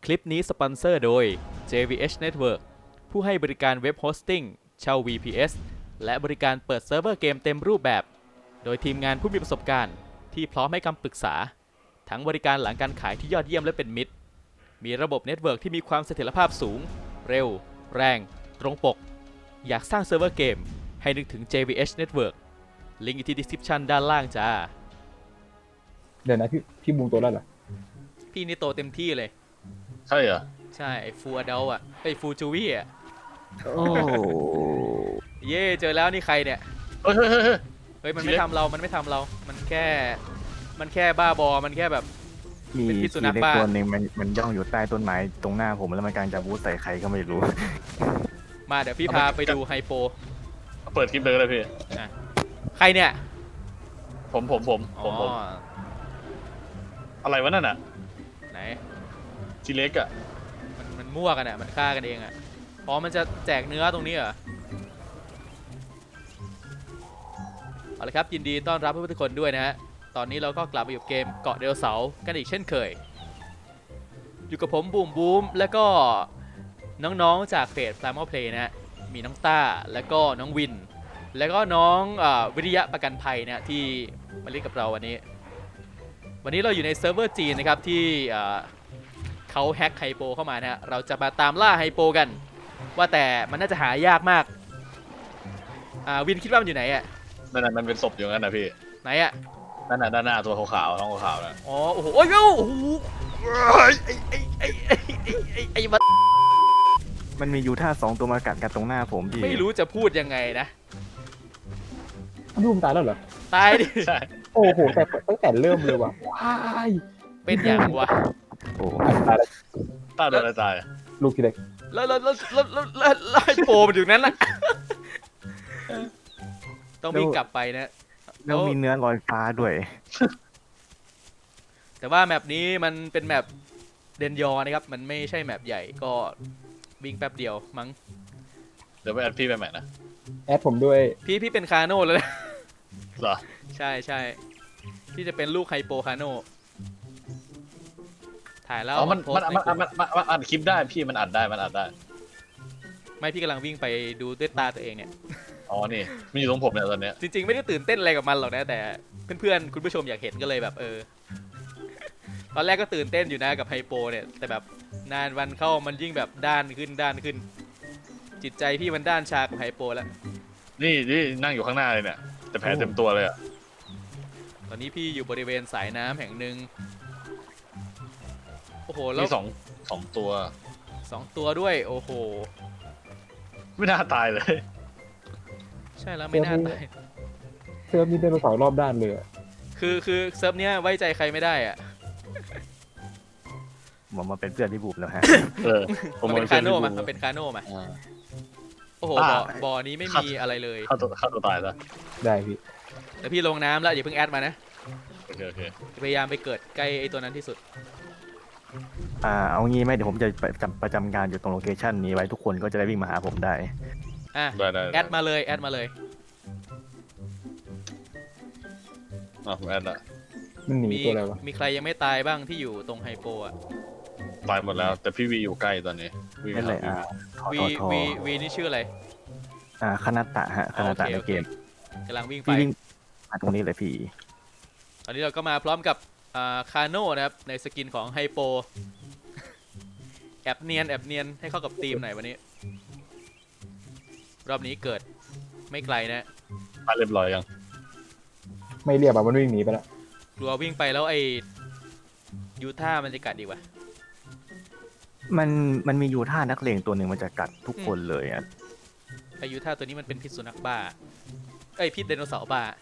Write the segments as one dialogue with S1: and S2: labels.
S1: คลิปนี้สปอนเซอร์โดย JVH Network ผู้ให้บริการเว็บโฮสติ้งเช่า VPS และบริการเปิดเซิร์ฟเวอร์เกมเต็มรูปแบบ โดยทีมงานผู้มีประสบการณ์ที่พร้อมให้คำปรึกษา ทั้งบริการหลังการขายที่ยอดเยี่ยมและเป็นมิตร มีระบบเน็ตเวิร์กที่มีความเสถียรภาพสูง เร็ว แรง ตรงปก อยากสร้างเซิร์ฟเวอร์เกมให้นึกถึง JVH Network ลิงก์อยู่ที่ description ด้านล่างจ้า
S2: เดี๋ยวนะพี่บูมตัวแล้วเหรอ
S1: พี่นี่โตเต็มที่เลย
S3: ใช่เหรอ
S1: ใช่ไอ้ฟูอดัลอ่ะไอ้ฟูจูวี่อ่ะ
S4: โอ้
S1: เย่เจอแล้วนี่ใครเนี่ย
S3: เฮ้ยเฮ้ยเฮ้ยเฮ้ย
S1: เฮ้ยมันไม่ทำเรา มันไม่ทำเรา มันแค่บ้าบอ มันแค่แบบ
S4: มี
S1: เป็นพิษสุ
S4: ที
S1: นัข
S4: เล็ก
S1: บ้า
S4: ตัวหนึ่งมันย่องอยู่ใต้ต้นไม้ตรงหน้าผมแล้วมันกำลังจะบูสใส่ใครก็ไม่รู้
S1: มาเดี๋ยวพี่พาไปดูไฮโป
S3: เปิดคลิปเลยก็ได้พี่
S1: อ่ะใครเนี่ย
S3: ผม
S1: อ๋อ
S3: อะไรวะนั่นอ่ะ
S1: ไหน
S3: ทีเล็กอ่ะ
S1: มันมั่วกันอ่ะ มันฆ่ากันเองอ่ะอ๋อมันจะแจกเนื้อตรงนี้เหรอ เอาละครับยินดีต้อนรับทุกคนด้วยนะฮะ ตอนนี้เราก็กลับมาอยู่เกมเกาะไดโนเสาร์กันอีกเช่นเคย อยู่กับผมบูมบูมแล้วก็น้องๆจากเพจ Primal Play นะฮะ มีน้องต้าแล้วก็น้องวิน แล้วก็น้องวิริยะประกันภัยนะที่มาเล่นกับเราวันนี้ วันนี้เราอยู่ในเซิร์ฟเวอร์จีนนะครับที่เขาแฮ็กไฮโปเข้ามานะฮะ เราจะมาตามล่าไฮโปกัน ว่าแต่มันน่าจะหายากมากวินคิดว่ามันอยู่ไหนอ่ะ
S3: นั่นน่ะมันเป็นศพอยู่งั้นนะพี่
S1: ไหนอ่ะ
S3: นั่นน่ะด้านหน้าตัวขาวๆท้องขาวๆนะ
S1: อ๋อ โอ้โห โอ้ยโอ้โหไอ้มัน
S4: มันมียูท่า2ตัวมากัดกันตรงหน้าผมพี่
S1: ไม่รู้จะพูดยังไงนะ
S2: พี่บูมตายแล้วเหรอ
S1: ตายดิ
S3: ใช่
S2: โอ้โหแต่ตั้งแต่เริ่มเลยว่ะว้าย
S1: เป็นอย่างวะ
S4: โอ้
S2: ตายแล้ว
S3: ตาโดนอะไรตาย
S2: ลูกทีเล็ก
S1: แล้วไอ้โปมันอยู่นั้นน่ะต้องวิ่งกลับไปนะ
S4: แล้วมีเนื้อลอยฟ้าด้วย
S1: แต่ว่าแมปนี้มันเป็นแมปเดนยอนะครับ มันไม่ใช่แมปใหญ่ก็วิ่งแป๊บเดียวมั้ง
S3: เดี๋ยวไปแอดพี่ไปใหม่นะ
S2: แอดผมด้วย
S1: พี่เป็นคาโน่แล้วนะ
S3: เหรอ
S1: ใช่พี่จะเป็นลูกไฮโปคาโน่ถ่ายแล้ว
S3: อ๋อมัน
S1: โพสต์ในกลุ่ม
S3: อัดคลิปได้พี่มันอัดได้
S1: ไม่พี่กำลังวิ่งไปดูด้วยตาตัวเองเนี่ย
S3: อ๋อนี่มันอยู่ตรงผมเนี่ยตอนเนี้ย
S1: จริงๆไม่ได้ตื่นเต้นอะไรกับมันหรอกนะแต่เพื่อนๆคุณผู้ชมอยากเห็นก็เลยแบบตอนแรกก็ตื่นเต้นอยู่นะกับไฮโปเนี่ยแต่แบบนานวันเข้ามันยิ่งแบบด้านขึ้น จิตใจพี่มันด้านชากับไฮโปแล้ว
S3: นี่นั่งอยู่ข้างหน้าเลยเนี่ยแต่แผลเต็มตัวเลยอ่ะ
S1: ตอนนี้พี่อยู่บริเวณสายน้ำแห่งหนึ่งโอ้โหแล้ว
S3: มีสองตัว
S1: 2 ตัวด้วยโอ้โห
S3: ไม่น่าตายเลย
S1: ใช่แล้วไม่น่าตาย
S2: เซิร์ฟนี้ไดโนเสาร์รอบด้านเลยอะ
S1: คือเซิร์ฟเนี้ยไว้ใจใครไม่ได้อะ
S4: ผมมาเป็นเพื่อนที่บูมแล้วฮะ
S3: ผม
S1: มันเป็น
S3: พื่
S1: คาโน่
S3: พี่
S1: มา
S3: บู
S1: มันเป็นคาโน่มา
S3: อ่า
S1: โอ้โห
S3: อ่า
S1: บ่อนี้ไม่มีอะไรเลย
S3: ฆ่าตัวตายซะ
S2: ได้พี่
S1: แต่พี่ลงน้ำแล้วอย่าเพิ่งแอดมานะ
S3: โอเค
S1: พยายามไปเกิดใกล้ไอ้ตัวนั้นที่สุด
S4: เอางี้ไหมเดี๋ยวผมจะประจำการอยู่ตรงโลเคชันนี้ไว้ทุกคนก็จะได้วิ่งมาหาผมได้
S1: อ่ะ
S3: ได้
S1: แอดมาเลย
S3: ผมแอดละ
S2: มันหนี
S1: มี
S2: ตัวอะไรวะ
S1: มีใครยังไม่ตายบ้างที่อยู่ตรงไฮโปอ่ะ
S3: ตายหมดแล้ว แต่พี่วีอยู่ใกล้ตอนนี้วี
S4: นั่นเลย
S3: หา
S1: วี
S4: ทอ
S1: วีนี่ชื่ออะไร
S4: คณะตะฮะคณะตะในเกม
S1: กำลังวิ่งไป
S4: พี่วิ่งมาตรงนี้เลยพี่
S1: ตอนนี้เราก็มาพร้อมกับคาโน่นะครับในสกินของไฮโป แอบเนียนให้เข้ากับธีมหน่อยวันนี้ รอบนี้เกิดไม่ไกลนะ
S3: ตายเรียบร้อยยัง
S2: ไม่เรียบอะมันวิ่งหนีไปแล้ว
S1: กลัววิ่งไปแล้วไอ้ยูท่ามันจะกัดอีกว่ะ
S4: มันมียูท่านักเลงตัวหนึ่งมันจะกัดทุกคนเลยอ่ะ
S1: ไอ้ยูท่าตัวนี้มันเป็นพิษสุนัขบ้าเอ้ยพิษไดโนเสาร์บ้า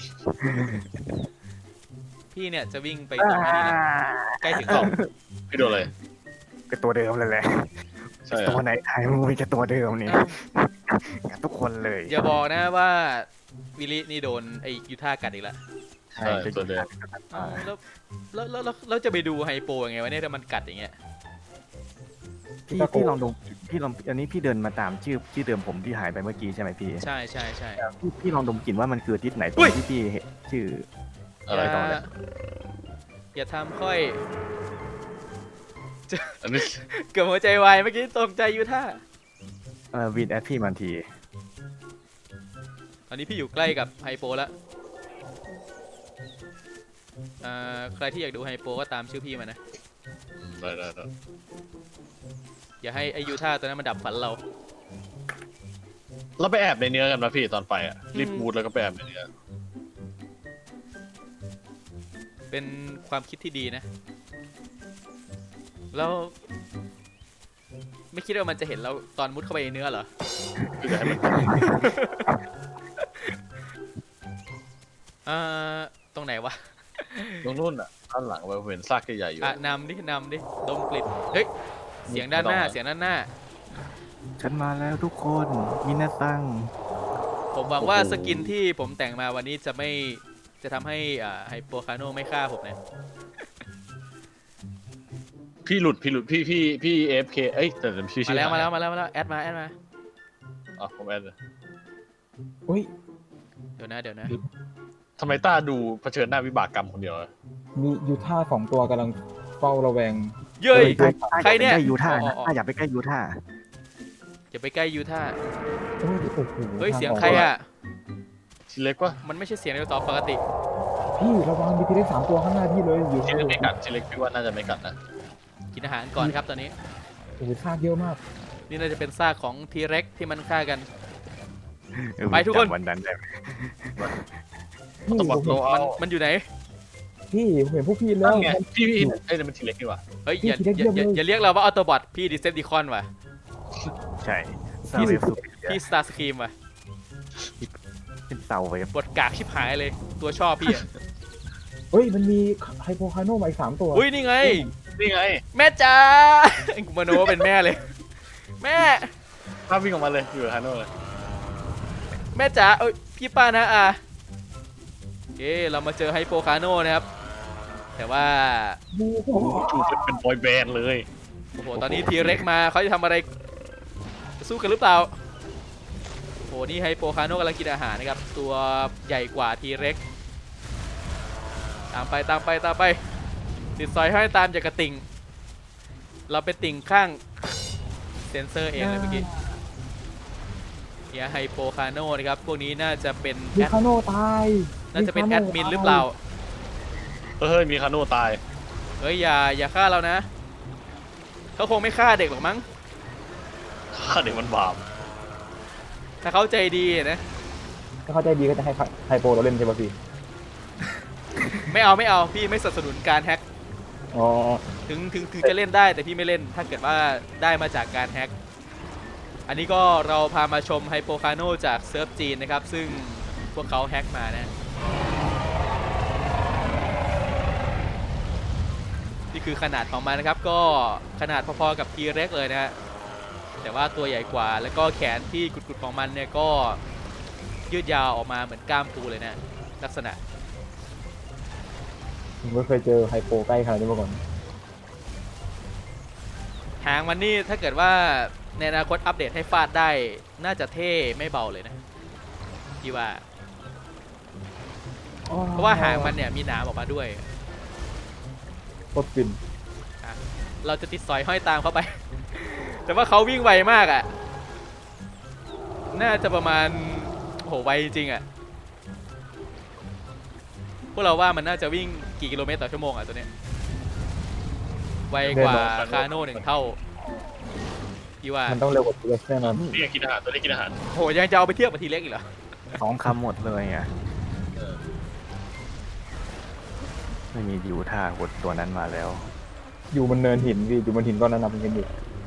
S1: พี่เนี่ยจะวิ่งไปตรงนี้นะใกล้ถึงกล่อง
S3: พี่โดนเลย
S4: ก็ตัวเดิมเลยแหละ
S3: ใช่เหร
S4: ตัว
S3: อ
S4: ไหนไทยมันมีแค่ตัวเดิมนี่
S1: อ้าว
S4: กัดทุกคนเลย
S1: อย่าบอกนะว่าวิลินี่โดนไอ้ยูท่ากัดอีกแล้ว
S4: ใช่
S3: ตัวเดิม
S1: อ้าวแล้วจะไปดูไฮโปยังไงวะเนี่ยถ้ามันกัดอย่างเงี้ย
S4: พี่ลองดูอันนี้พี่เดินมาตามชื่อเดิมผมที่หายไปเมื่อกี้ใช่ไหมพี่
S1: ใช่
S4: พี่ลองดมกลิ่นว่ามันคือทิศไหนตร
S1: อุ้
S4: ง
S1: ย
S4: ที่พี่เห็นชื่อ
S3: อะไร
S4: ต่อเลย
S1: อย่าทำค่อย
S3: อันนี้
S1: เกือบหัวใจวายเมื่อกี้ตกใจยูท่า
S4: วินแอดพี่มันที
S1: ตอนนี้พี่อยู่ใกล้กับไฮโปแล้วใครที่อยากดูไฮโปก็ตามชื่อพี่มานะ
S3: ได้
S1: อย่าให้ไอยูท่าตัวนั้นมันดับฝันเรา
S3: เราไปแอบในเนื้อกันนะพี่ตอนไปอ่ะรีบบูทแล้วก็ไปแอบในเนื้อ
S1: เป็นความคิดที่ดีนะ แล้วไม่คิดว่ามันจะเห็นเราตอนมุดเข้าไปในเนื้อเหรอ
S3: คือจะให้มัน
S1: ตรงไหนวะ
S3: ตรงนู้นอ่ะด้านหลังเราเห็นซากใหญ่ๆอยู่
S1: นำดิดมกลิ่นเฮ้ยเสียงด้านหน้า
S4: ฉันมาแล้วทุกคนมินาซัง
S1: ผมหวังว่าสกินที่ผมแต่งมาวันนี้จะทำให้ไฮโปคาโนไม่ฆ่าผมนะ
S3: พี่หลุดพี่ AFK เอ้ยแต่ชื่อ
S1: มาแล้วแอดมา
S3: อ๋อผมแอดเลย
S2: อุ้ย
S1: เดี๋ยวนะ
S3: ทำไมต้าดูเผชิญหน้าวิบากกรรมคนเดียวอะ
S2: มียูท่า2 ตัวกำลังเฝ้าระแวง
S1: เย้ย ใคร
S4: ใคร
S1: เนี่
S4: เนี่ย ยยูท่า
S1: อ๋อ
S4: ถ้าอยากไปใกล้ยูท่า
S1: อย่าไปใกล้ยูท่า
S2: โอ้โห
S1: เฮ้ยเสียงใครอ่ะ
S3: ทีเล็กวะ
S1: มันไม่ใช่เสียงในจอปกติ
S2: พี่ระวังมีทีเล็ก3 ตัวข้างหน้าพี่เลยอยู่
S3: ทีเล็กไม่กัดทีเล็กพี่ว่าน่าจะไม่กัดนะ
S1: กินอาหารก่อนครับตอนนี้
S2: โอ้โหซากเยอะมาก
S1: นี่น่าจะเป็นซากของทีเร็กที่มันฆ่ากัน ไปทุกคน
S4: จำวันนั้นได้ไหม
S2: พี่
S3: ต้อง
S2: ผ
S3: บอก
S2: ม
S3: โล
S2: เห็น
S3: เอา
S1: มันอยู่ไหน
S2: พี่ผมเห็นพวกพี่แล้
S3: นั่
S2: วน
S3: ไงพี่เอ้ยนั่นมันทีเล็กนี่หว่า
S1: เฮ้ย
S2: พี่
S1: อย่า
S2: T-Rex เยี่ยมเลย
S1: อย่าเรียกเราว่าออโตบอทพี่ดิเซปติคอนว่ะ
S4: ใช่
S1: พี่
S4: เซาเวฟสุด
S1: พี่สตาร์สครีมว่ะ
S4: เป็นเซาเวฟ
S1: บทกากชิบหายเลย ตัวชอบพี่อะ
S2: เฮ้ยมันมีไฮโปคาโนมาอีก3 ตัว
S1: อุ้ยนี่ไง
S3: นี่ไง
S1: แม่จ๋ากูมโนว่าเป็นแม่เลย แม่
S3: ภาพวิ่งออกมาเลยอยู่กับฮาโน่เลย
S1: แม่จ๋าเอ้ยพี่ป้านะเรามาเจอไฮโปคาโนนะครับ แต่ว่า
S2: โอ้โห
S3: จูบเป็นบอยแบนด์เลย
S1: โอ้โหตอนนี้ทีเร็กมาเขาจะทำอะไรจะสู้กันหรือเปล่าโอ้โหนี่ไฮโปคาโนกำลังกินอาหารนะครับตัวใหญ่กว่าทีเร็กตามไปติดซอยให้ตามจากกระติ่งเราไปติ่งข้างเซนเซอร์เองเลยเมื่อกี้เนี่ยไฮโปคาโนนะครับพวกนี้น่าจะเป็น
S2: มีคาโนตาย
S1: น่าจะเป็นแอดมินหรือเปล่า
S3: เฮ้ยมีคาโน่ตาย
S1: เฮ้ยอย่าฆ่าเรานะเขาคงไม่ฆ่าเด็กหรอกมั้ง
S3: ฆ่าเด็กมันบาป
S1: ถ้าเขาใจดีนะ
S2: ถ้าเข้าใจดีก็จะให้ไฮโปเราเล่นใช่ป่ะพี่
S1: ไม่เอาพี่ไม่สนับสนุนการแฮ็ก
S2: อ๋อ
S1: ถึงจะเล่นได้แต่พี่ไม่เล่นถ้าเกิดว่าได้มาจากการแฮ็กอันนี้ก็เราพามาชมไฮโปคาโนจากเซิร์ฟจีนนะครับซึ่งพวกเขาแฮ็กมานะนี่คือขนาดของมันนะครับก็ขนาดพอๆกับทีเร็กเลยนะฮะแต่ว่าตัวใหญ่กว่าแล้วก็แขนที่กุดๆของมันเนี่ยก็ยืดยาวออกมาเหมือนกล้ามปูเลยนะลักษณะ
S2: ผมไม่เคยเจอไฮโปใกล้ขนาดนี้มาก่อน
S1: หางมันนี่ถ้าเกิดว่าในอนาคตอัปเดตให้ฟาดได้น่าจะเท่ไม่เบาเลยนะพี่ว่าเพราะว่าหางมันเนี่ยมีหนามออกมาด้วย
S2: โคตรฟิน
S1: เราจะติดสอยห้อยตามเข้าไป แต่ว่าเขาวิ่งไวมากอ่ะน่าจะประมาณโหไวจริงๆอ่ะพวกเราว่ามันน่าจะวิ่งกี่กิโลเมตรต่อชั่วโมงอ่ะตัวเนี้ยไวกว่าคาโน่1 เท่าพี่ว่า
S2: มันต้องเร็วกว่าทีเล็กแน่นอน
S3: นี่กินอาหารตัวนี้กินอาหาร
S1: โหยังจะเอาไปเทียบกับทีเล็กอีกเหรอ
S4: 2 คำหมดเลยอ่ะไม่มียูท่ากดตัวนั้นมาแล้ว
S2: อยู่บนเนินหินพี่อยู่บนหินก้อนนั้นนะผมเห็นอยู่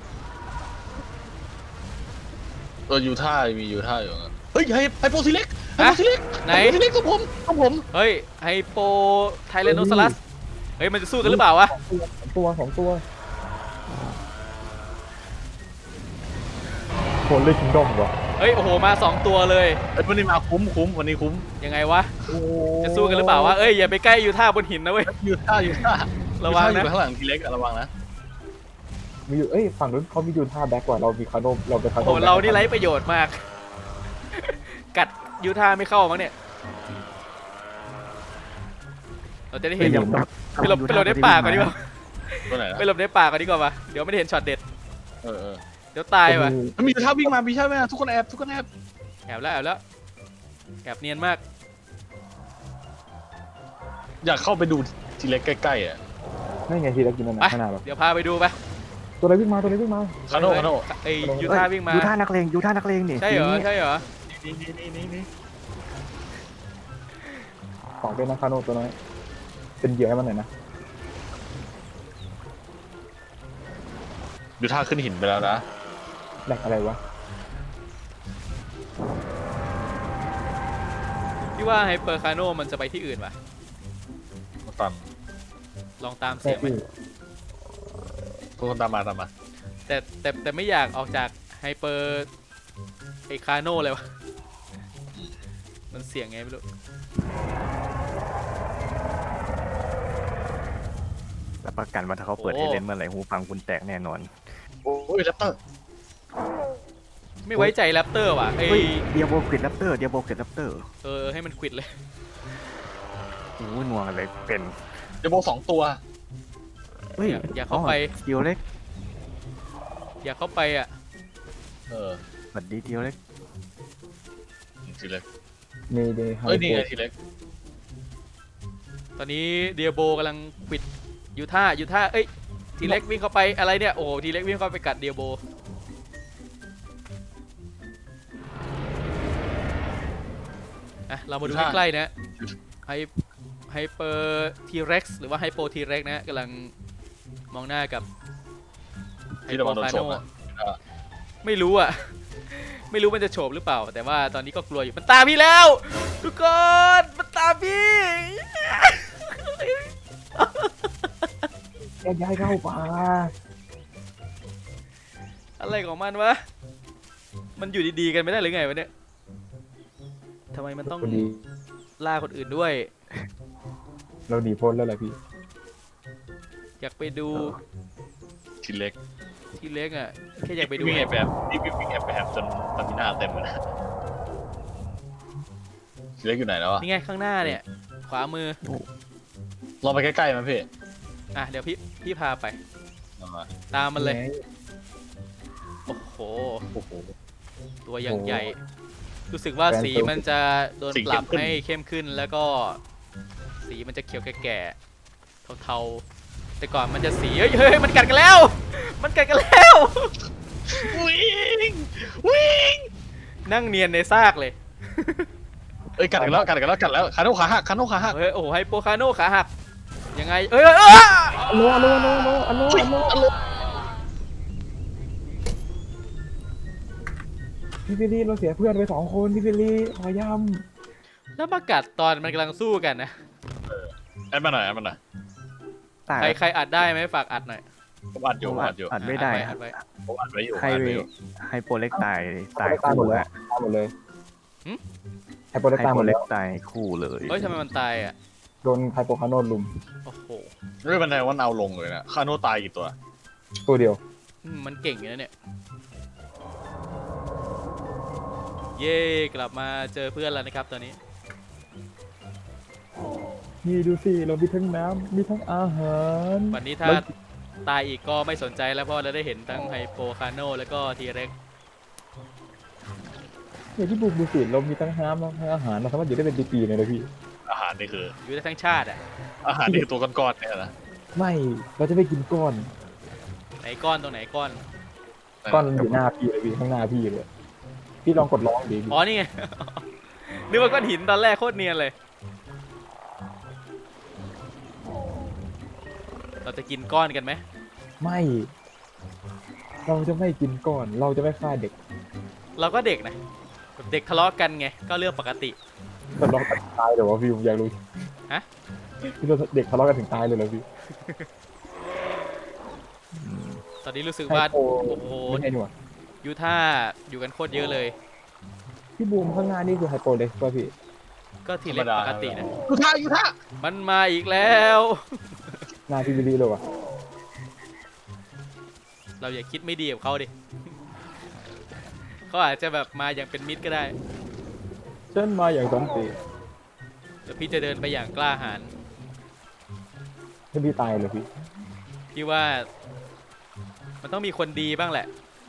S3: ตัวยูท่ามียูท่าอยู่เฮ้ยไฮโปทีเล็กไฮโปทีเล็ก
S1: ไหน
S3: ไฮโปทีเล็กกับผม
S1: เฮ้ยไฮโปไทเลโนซอรัสเฮ้ยมันจะสู้กันหรือเปล่าวะ
S2: 2 ตัวโคนเล่นคิงดอมวะ
S1: เฮ้ยโอ้โหมา2 ตัวเลย
S3: เอ้ยวันนี้มาคุ้มวันนี้คุ้ม
S1: ยังไงวะจะสู้กันหรือเปล่าวะเอ้ยอย่าไปใกล้ยูท่าบนหินนะเว้ย
S3: ยูท่า
S1: ระวังนะ
S3: อยู่ข้างหลังทีเล็กระวังนะ
S2: มีอยู่ฝั่งนู้นเขามียูท่าแบ็กกว่าเรามีคาโนเราไปคา
S1: โอ้
S2: โน
S1: โหเรานี่ไร้ประโยชน์มาก กัดยูท่าไม่เข้ามั้งเนี่ยเราจะได้เห็น
S4: เฮ้ย
S1: ไปหลบในป่าก่อนดีกว่า
S3: ตัวไหนนะ
S1: ไปหลบในป่าก่อนดีกว่าปะเดี๋ยวไม่ได้เห็นช็อตเด็ด
S3: เออ
S1: เดี๋ยวตายว่ะ
S3: มีท่าวิ่งมามีใช่ไหมทุกคนแอบทุกคนแอบ
S1: แอบแล้วแอบเนียนมาก
S3: อยากเข้าไปดูทีเล็กใกล้ๆอ่ะ
S2: นั่นไงทีละกินนั่น
S1: ไป
S2: นะขนาดแบบ
S1: เดี๋ยวพาไปดูไป
S2: ตัวอะไรวิ่งมาตัวอะไรวิ่งมา
S3: คาโน่
S1: ไอ้ยูท่าวิ่งมา
S4: ยูท่านักเลงยูท่านักเลงนี่
S1: ใช่เหรอ
S4: ทีนี้
S1: ใช่เหรอ
S3: นี่
S2: ของเป็นนาคาโนตัวน้อยเป็นเหยื่อให้มันหน่อยนะ
S3: ดูท่าขึ้นหินไปแล้วนะ
S2: แหลกอะไรวะ
S1: พี่ว่าไฮเปอร์คาโนมันจะไปที่อื่นป่ะ
S3: มาตัน
S1: ลองตามเสียงไหม
S3: ทุกคนตามมา
S1: แต่ไม่อยากออกจากไฮเปอร์ไอคาโนเลยวะมันเสียงไงไม่รู้
S4: รับประกันว่าถ้าเขาเปิดให้เล่นเมื่อไหร่หูฟังคุณแตกแน่นอน
S3: โอ้ยแรปเตอร์
S1: ไม่ไว้ใจแรปเตอร์ว่ะไอ
S4: เฮ้ยเดียโบกริดแรปเตอร์เดียโบกริดแรปเตอร์
S1: ให้มันควิดเลย
S4: โอ้ยนัวเลยเป็น
S3: เดโบ2 ตัว
S4: เฮ้ย
S1: อย่าเข้าไป
S4: สกิลเล็ก
S1: อย่าเข้าไปอ่ะ
S3: เออ
S4: สวัสดีเดียวเล็ก
S3: ทีเล็ก
S2: เมเดย์ไฮ
S3: เอ้ยนี่ไงทีเล็ก
S1: ตอนนี้เดียโบกำลังควิดยูท่าเอ้ยทีเล็กวิ่งเข้าไปอะไรเนี่ยโอ้โหทีเล็กวิ่งเข้าไปกัดเดียโบอ่ะเรามาดูใกล้ๆนะไฮเปอร์ทีเร็กซ์หรือว่าไฮโปทีเร็กซ์นะกำลังมองหน้ากับไฮ
S3: ที่
S1: โป
S3: ระวังโดน
S1: คา
S3: ช
S1: โน
S3: มนะ
S1: ไม่รู้อ่ะ ไม่รู้มันจะโฉบหรือเปล่า แต่ว่าตอนนี้ก็กลัวอยู่มันตามพี่แล้วทุกคนมันตามพี่
S2: แยกย้ายเข้าป่า
S1: อะไรของมันวะมันอยู่ดีๆกันไม่ได้หรือไงวะเนี่ยทำไมมันต้อง
S2: คนดี
S1: ล่าคนอื่นด้วย
S2: เราดีพ้นแล้วแหละพี่
S1: อยากไปดู
S3: ทีเล็ก
S1: ที่เล็กอ่ะแค่อยากไปดู
S3: วิ่งแอบแบบนี่วิ่งแอบแบบจนตามิน่าเต็มเลยนะทีเล็กอยู่ไหนแล้วอ่ะ
S1: นี่ไงข้างหน้าเนี่ย ขวามือ
S3: ลองไปใกล้ๆมั้ยพี่
S1: อ่ะเดี๋ยวพี่พาไป
S3: มา
S1: ตามมันเลยโอ้โห
S3: โอ้โห
S1: ตัวอย่างใหญ่ รู้สึกว่าสีมันจะโดน
S3: สี
S1: ปรับ
S3: เข้มขึ้น
S1: ให้เข้มขึ้นแล้วก็สีมันจะเขียวแก่ๆเทาๆแต่ก่อนมันจะสีเฮ้ยมันกัดกันแล้ว มันกัดกันแล้ว
S3: วิ่ง
S1: นั่งเนียนในซากเลย
S3: เอ้ยกัดกันแล้วคาโน่ขาหัก
S1: เฮ้ยโอ้โหไฮโปคาโนขาหักยังไงเอ้ย
S2: อัลโลพี่บิลลี่เราเสียเพื่อนไป2 คนพี่บิลลี่ขอย้
S1: แล้วมากัดตอนมันกำลังสู้กันนะ
S3: แอดมาหน่อย
S4: ตาย
S1: ใครอัดได้ไหมฝากอัดหน่อย
S3: ผมอัดอยู่
S4: อัดไม่ได้
S1: อัดไว้
S3: ผมอัดไว้อยู่
S4: ให้โปรเล็กตาย
S2: ำ
S4: ตาย
S2: ตายหม
S4: คู่
S2: ดเลย
S4: อะ
S2: ตายหมดเลย
S1: หึ
S2: ไฮโปร
S4: ให้
S2: ตายห
S4: โป
S2: ม
S4: ร
S2: ด
S4: เล็
S2: แล้
S4: ก
S2: ว
S4: ตายคู่เลย
S1: เฮ้ยทำไมมันตายอ่ะ
S2: โดนไฮโปคาโนลุม
S1: โอ้โห
S3: เรื่องบันไดว่าเอาลงเลยนะคาโน่ตายกี่ตัว
S2: ตัวเดียว
S1: มันเก่งอยู่นะเนี่ยเย่กลับมาเจอเพื่อนแล้วนะครับตอนนี้
S2: นี่ดูสิเรามีทั้งน้ำมีทั้งอาหาร
S1: วันนี้ถ้าตายอีกก็ไม่สนใจแล้วเพราะเราได้เห็นทั้งไฮโปคาโนแล้วก็ทีเร็ก
S2: อย่างที่บุกดูสิเรามีทั้งน้ำทั้งอาหารเราสามารถอยู่ได้เป็นปีๆเลยนะพี่
S3: อาหารนี่คือ
S1: อยู่ได้ทั้งชาติอ่ะ
S3: อาหารนี่คือตัวก้อนๆเนี่ยนะ
S2: ไม่เราจะไม่กินก้อน
S1: ไหนก้อนตรงไหนก้อน
S2: ก้อนอยู่หน้าพี่เลยพี่ข้างหน้าพี่เลยพี่ลองกดร้องดิพี่
S1: อ๋อนี่ไง นึกว่าก้อนหินตอนแรกโคตรเนียนเลย เราจะกินก้อนกันไหม
S2: ไม่ เราจะไม่กินก้อนเราจะไม่ฆ่าเด็ก
S1: เราก็เด็กนะแบบเด็กทะเลาะกันไงก็เรื่องปกติ
S2: ทะเลาะกันตายเดี๋ยววะพี่ผมอยากรู้
S1: ฮะ
S2: พี่เราเด็กทะเลาะกันถึงตายเลยเหรอพี่
S1: ตอนนี้รู้สึกว่า
S2: ไฮโป
S1: โอ้โห
S2: ไม่ใช่หนวด
S1: ยูท่าอยู่กันโคตรเยอะเลย
S2: พี่บูมข้างหน้านี่คือไฮโปเล็กป่ะพี่
S1: ก็ทีเล็กปกตินะ
S3: ยูท่า
S1: มันมาอีกแล้ว
S2: หน้าพี่บิลลี่เลยวะ
S1: เราอย่าคิดไม่ดีกับเขาดิ เขาอาจจะแบบมาอย่างเป็นมิตรก็ได้
S2: ฉันมาอย่างสันติ
S1: เดี๋ยวพี่จะเดินไปอย่างกล้าหาญ
S2: ให้พี่ตายเลยพี่
S1: พี่ว่ามันต้องมีคนดีบ้างแหละ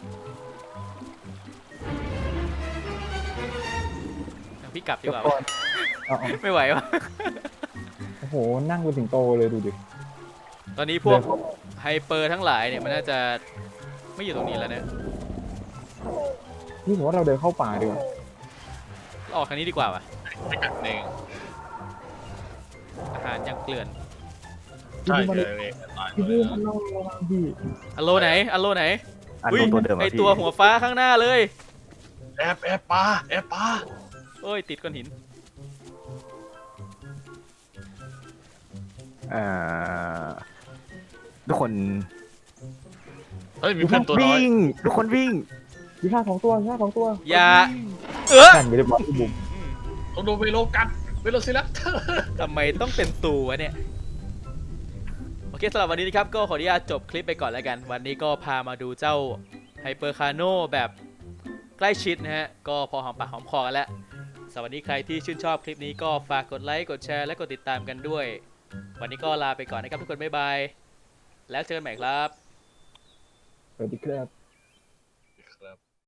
S1: พี่กลับดีกว่า
S2: ก่อนเอา
S1: ไม่ไหววะ
S2: โอ้โหนั่งเป็นสิงโตเลยดูดิ
S1: ตอนนี้พวก
S2: เดินเข้า
S1: ไฮเปอร์ทั้งหลายเนี่ยมันน่าจะไม่อยู่ตรงนี้แล้วเนี่ย
S2: นี่ผมว่าเราเดินเข้าป่าดีกว่า
S1: ออกทางนี้ดีกว่าว่ะ
S3: ไม่กัดเอง
S1: อาหารยังเกลื่อน
S3: ใช่
S2: พี่
S3: เล
S2: บูม
S3: ยตาย
S2: พี่
S3: เล
S2: บู
S3: ย
S2: มมันเล่าระวังพี่
S1: อัลโลไหนอัลโลไหน
S4: อัน
S1: อุ๊ย
S4: ตัวเดิม
S1: ไอ
S4: อะพี่
S1: ตัวหัวฟ้าข้างหน้าเลย
S3: แอบปลาแอบปลา
S1: โอ้ยติดก้อนหิน
S4: อ่าทุกคน
S3: เฮ้ยมีเพื่อนตัวน้อย
S4: วิ่งทุกคนวิ่ง
S2: มีท่า2 ตัวมีท่า2 ตัว
S1: อย่าเออ
S2: กันไม่ได้บอกพี่บูม
S3: ต้องโดนเวโลกัดเวโลซิลัส
S1: ทำไมต้องเป็นตูวะเนี่ย โอเคสำหรับวันนี้นะครับก็ขออนุญาตจบคลิปไปก่อนแล้วกัน วันนี้ก็พามาดูเจ้าไฮเปอร์คาโนแบบใกล้ชิดนะฮะ ก็พอหอมปากหอมคอกันแล้วสำหรับวันนี้ใครที่ชื่นชอบคลิปนี้ก็ฝากกดไลค์กดแชร์และกดติดตามกันด้วย วันนี้ก็ลาไปก่อนนะครับทุกคนบ๊ายบายแล้วเจอกันใหม่ครับ
S2: สวัสดีครับ